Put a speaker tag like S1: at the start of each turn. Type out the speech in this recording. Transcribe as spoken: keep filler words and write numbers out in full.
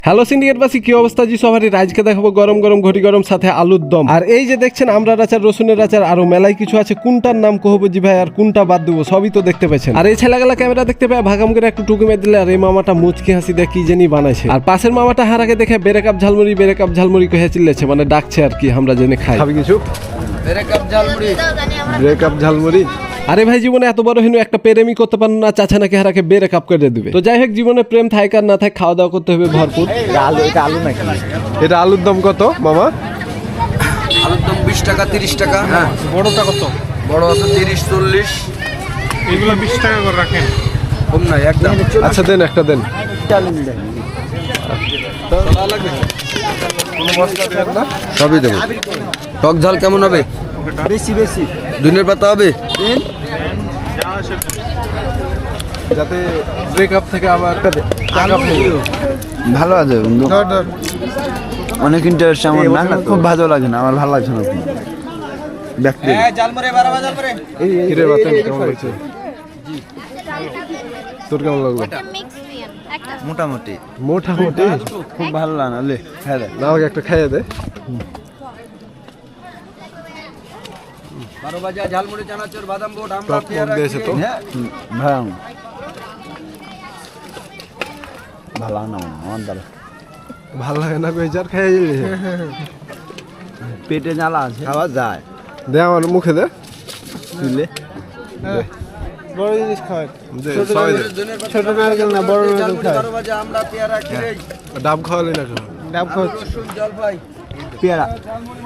S1: Hello সিন্ডিকেটবাসী, কি অবস্থা জি সবারই? আজকে দেখাবো গরম গরম ঘটি গরম সাথে আলুর দম। আর এই যে দেখছেন আমরা আচার, রসুনের আচার, আরো মেলাই কিছু আছে। কোনটার নাম কহবো জি ভাই আর কোনটা বাদ দেবো সবই তো দেখতে পেয়েছেন। আর এই ছেলেগুলা ক্যামেরা দেখতে পায় ভাগাম করে একটু টুকু মেরে দিলে আর এই মামাটা মুচকি হাসি দিয়ে কি জানি বানাইছে। আর পাশের মামাটা হারাকে দেখে বেরে কাপ ঝালমুড়ি বেরে কাপ ঝালমুড়ি কহে চিল্লেছে, মানে ডাকছে আর কি। আমরা জেনে খাই খাবি কিছু বেরে কাপ ঝালমুড়ি বেরে কাপ ঝালমুড়ি। আরে ভাই, জীবনে এত বড় হেনু একটা প্রেমই করতে পারেন না, চাচা নাকি হারাকে বেরে কাপ করে দিবে। তো যাই হোক, জীবনে প্রেম থাক আর না থাক, খাওয়া দাওয়া করতে হবে ভরপুর।
S2: আলু এটা আলু নাকি?
S1: এটা আলুর দম কত মামা?
S3: আলুর দম বিশ টাকা তিরিশ টাকা। হ্যাঁ,
S2: বড়টা কত?
S3: বড় আছে তিরিশ চল্লিশ।
S2: এগুলো বিশ টাকা করে রাখেন।
S3: কম নাই একদম।
S1: আচ্ছা দেন, একটা দেন।
S3: সবই দেবো। টক ঝাল কেমন হবে?
S2: বেশি বেশি
S3: ধনের পাতা হবে?
S1: যাতে ব্রেকআপ থেকে আবার
S4: ভালো আছে বন্ধু, অনেক ইন্টারেস্ট আমার না না, খুব ভালো লাগে না, আমার ভালো লাগছে না দেখতে।
S1: কিরে বাতেন কেমন লাগছে? তোর কেমন লাগলো?
S4: মোটামুটি
S1: মোটামুটি
S4: খুব ভালো লাগে না। লে হ্যাঁ রে,
S1: না, আমাকে একটা খাইয়ে দে।
S3: বারো বাজা ঝালমুড়ি চানাচুর বাদাম বোট আমরা
S1: টক টক দিয়েছে তো।
S4: হ্যাঁ ভালো ভালো না আমার দ্বারা
S1: ভাল লাগে না কই যার খাইয়ে দিলি।
S4: পেটে জ্বালা আছে, খাওয়া যায়।
S1: দে আমার মুখে দে।
S4: তুলে
S2: বড় জিনিস খাওয়ায়,
S1: দে সবাই দে।
S2: ছোট নারকেল না, বড় নারকেল খায়।
S3: বারো বাজা আমরা পেয়ারা খিরে
S1: ডাব খাওয়ালি না কেন?
S2: ডাব খাওয়া
S3: রসুন জলপাই
S4: পেয়ারা